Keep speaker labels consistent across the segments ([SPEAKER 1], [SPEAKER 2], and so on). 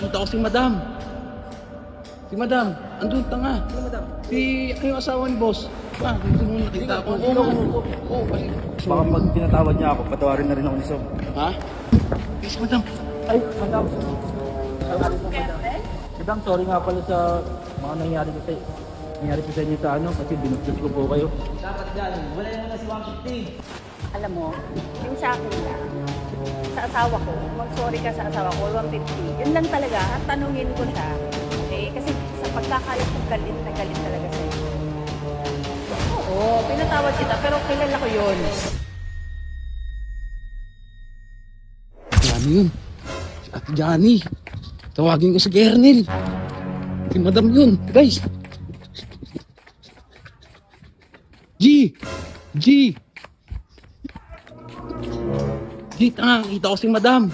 [SPEAKER 1] nakita ko si Madam. Si Madam, andun tanga.
[SPEAKER 2] Ano, madam?
[SPEAKER 1] Si, ano yung asawa ni boss? Ah, dito nung nakita ko. Oo, kasi.
[SPEAKER 2] Baka pag tinatawad niya ako, patawarin na rin ako ni Sob.
[SPEAKER 1] Ha? Yes, Madam.
[SPEAKER 2] Ay, madam. Sorry po, madam. Madam, sorry nga pala sa mga nangyari ko sa inyo sa ano, kasi binugtos ko po kayo. Dapat dyan, wala naman na si 150.
[SPEAKER 3] Alam mo, yung sa akin lang, sa asawa ko, mag-sorry ka sa asawa ko, 150. Yun lang talaga, at tanungin ko siya. Okay? Kasi sa pagkakalit ko, galit na galit talaga sa'yo. Oo, pinatawad kita, pero kilala ko yun.
[SPEAKER 1] Johnny yun. Si Ate Johnny. Tawagin ko si Kernel. Si Madam yun. Guys. G! G! G, tanga. Kita ko si Madam.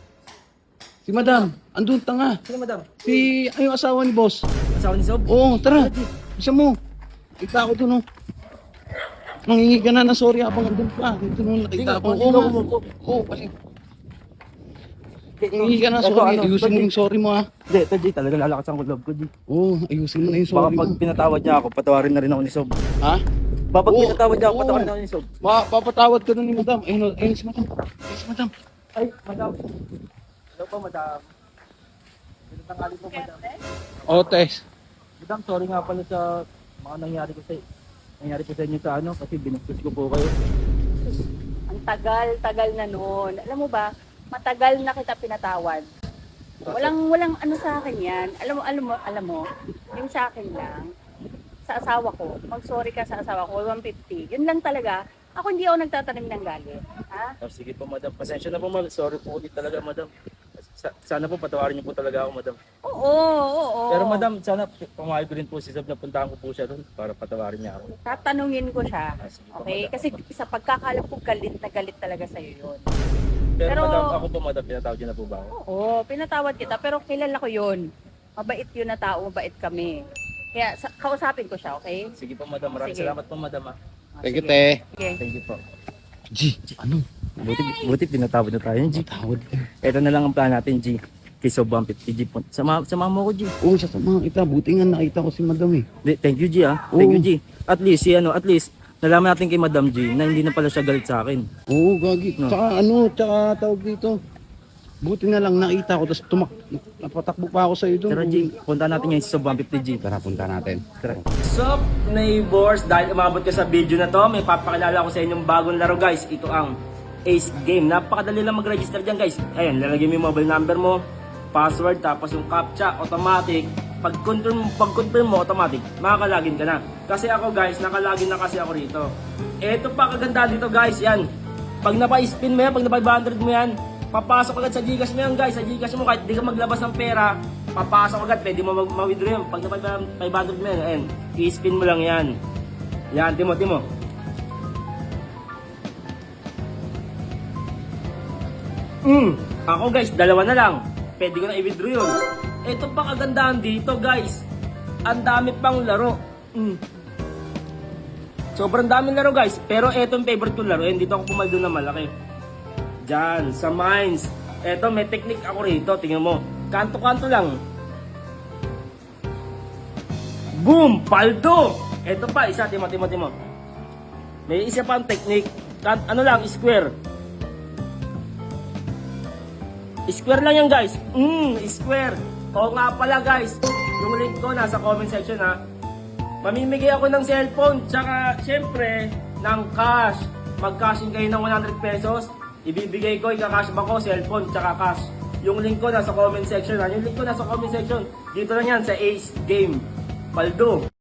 [SPEAKER 1] Si Madam. Andun, tanga.
[SPEAKER 2] Sino, madam?
[SPEAKER 1] Si, ano yung asawa ni boss?
[SPEAKER 2] Asawa ni Sob?
[SPEAKER 1] Oo, tara. Isa mo. Kita ko dun, oh. Nangingi ka na na sorry habang andun pa. Dito nung nakita ko. Oo, kasi. Nangingi ka na sorry. Ayusin mo yung sorry mo, ha.
[SPEAKER 2] Hindi, ito G, talaga lalakasan ko love ko G.
[SPEAKER 1] Oo, ayusin mo na yung
[SPEAKER 2] Baka
[SPEAKER 1] sorry mo.
[SPEAKER 2] pag pinatawad niya ako, patawarin na rin ako ni Sob.
[SPEAKER 1] Ha?
[SPEAKER 2] Baka pag
[SPEAKER 1] Oo,
[SPEAKER 2] pinatawad niya ako,
[SPEAKER 1] oo.
[SPEAKER 2] patawarin na ako ni Sob.
[SPEAKER 1] Papatawad ka na ni Madam. Ayun si Madam. Ayun si Madam.
[SPEAKER 2] Ay, madam. Hello po, madam. Tangali po, madam.
[SPEAKER 1] Oo, Tess.
[SPEAKER 2] Madam, sorry nga pala sa mga nangyari ko sa inyo sa ano, kasi binugtos ko po kayo.
[SPEAKER 3] Ang tagal na noon. Alam mo ba, matagal na kita pinatawad. Walang ano sa akin yan. Alam mo, yung sa akin lang, sa asawa ko, mag-sorry ka sa asawa ko, 150. Yun lang talaga. Ako hindi ako nagtatanim ng galit. Ha?
[SPEAKER 2] Oh, sige po, madam. Pasensya na po, madam. Sorry po ulit talaga, madam. Sana po patawarin niyo po talaga ako, madam.
[SPEAKER 3] Oo.
[SPEAKER 2] Pero madam, sana pumayag ko rin po si Sob na puntahan ko po siya doon para patawarin niya ako.
[SPEAKER 3] Tatanungin ko siya.
[SPEAKER 2] Sige po,
[SPEAKER 3] Okay?
[SPEAKER 2] madam.
[SPEAKER 3] Kasi sa pagkakalap ko, galit na galit talaga sa'yo yun.
[SPEAKER 2] Pero,
[SPEAKER 3] Pero-
[SPEAKER 2] madam, ako po, madam, pinatawad niyo na po ba ako?
[SPEAKER 3] Oo, pinatawad kita, pero kilala ko yun. Mabait yun na tao, mabait kami. Kaya kausapin ko siya, okay?
[SPEAKER 2] Sige po, madam. Maraming
[SPEAKER 3] Sige.
[SPEAKER 2] salamat po, madam. Ah.
[SPEAKER 1] Thank you,
[SPEAKER 3] Sige.
[SPEAKER 1] Te.
[SPEAKER 3] Sige.
[SPEAKER 2] Thank you po.
[SPEAKER 1] G, ano?
[SPEAKER 2] Buti pinatawad na tayo, G.
[SPEAKER 1] Patawad ka.
[SPEAKER 2] Ito na lang ang plan natin, G. Kay Sob 150, G. Sama mo ko, G.
[SPEAKER 1] Oo, sa mga kita. Buti nga nakita ko si Madam, eh.
[SPEAKER 2] Thank you, G, ah. Thank
[SPEAKER 1] Oo.
[SPEAKER 2] you, G. At least, nalaman natin kay Madam G na hindi na pala siya galit sa akin.
[SPEAKER 1] Oo, gagi.
[SPEAKER 2] No.
[SPEAKER 1] Tsaka tawag dito. Buti nga lang nakita ko, tapos napatakbo pa ako sa'yo doon.
[SPEAKER 2] Pero G, punta natin ngayon si Sob 150, G.
[SPEAKER 1] Tara, punta natin.
[SPEAKER 2] Tara. Sup, neighbors? Dahil umabot ka sa video na to, may papakilala ko sa inyong bagong laro, guys. Ito ang Ace Game. Napakadali lang mag-register dyan, guys. Ayan, lalagyan mo yung mobile number mo, password, tapos yung CAPTCHA, automatic. Pag-confirm mo, automatic, makakalagin ka na. Kasi ako, guys, nakalagin na kasi ako rito. Ito pa kaganda dito, guys. Yan. Pag napa-spin mo yan, pag napa-500 mo yan, papasok agad sa Gcash mo yan, guys. Sa Gcash mo, kahit di ka maglabas ng pera, papasok agad, pwede mo ma-withdraw yan. Pag napa-500 mo yan, ayan, i-spin mo lang yan. Yan, timo. Ako, guys, dalawa na lang. Pwede ko na i-withdraw yun. Ito pa kagandahan dito, guys. Ang dami pang laro. Sobrang daming laro, guys. Pero ito yung favorite kong laro. Dito ako pumaldo na malaki. Diyan, sa mines. Eto, may technique ako rito. Tingnan mo. Kanto-kanto lang. Boom! Paldo! Eto pa, isa. Timo. May isa pang technique. Ano lang, square. Square lang yan, guys. Square. Oo nga pala, guys. Yung link ko nasa comment section, ha. Mamimigay ako ng cellphone. Tsaka, syempre, ng cash. Mag-cashing kayo ng 100 pesos. Ibibigay ko, ika-cash ba ko, cellphone, tsaka cash. Yung link ko nasa comment section, ha. Yung link ko nasa comment section. Dito lang yan, sa Ace Game. Paldo.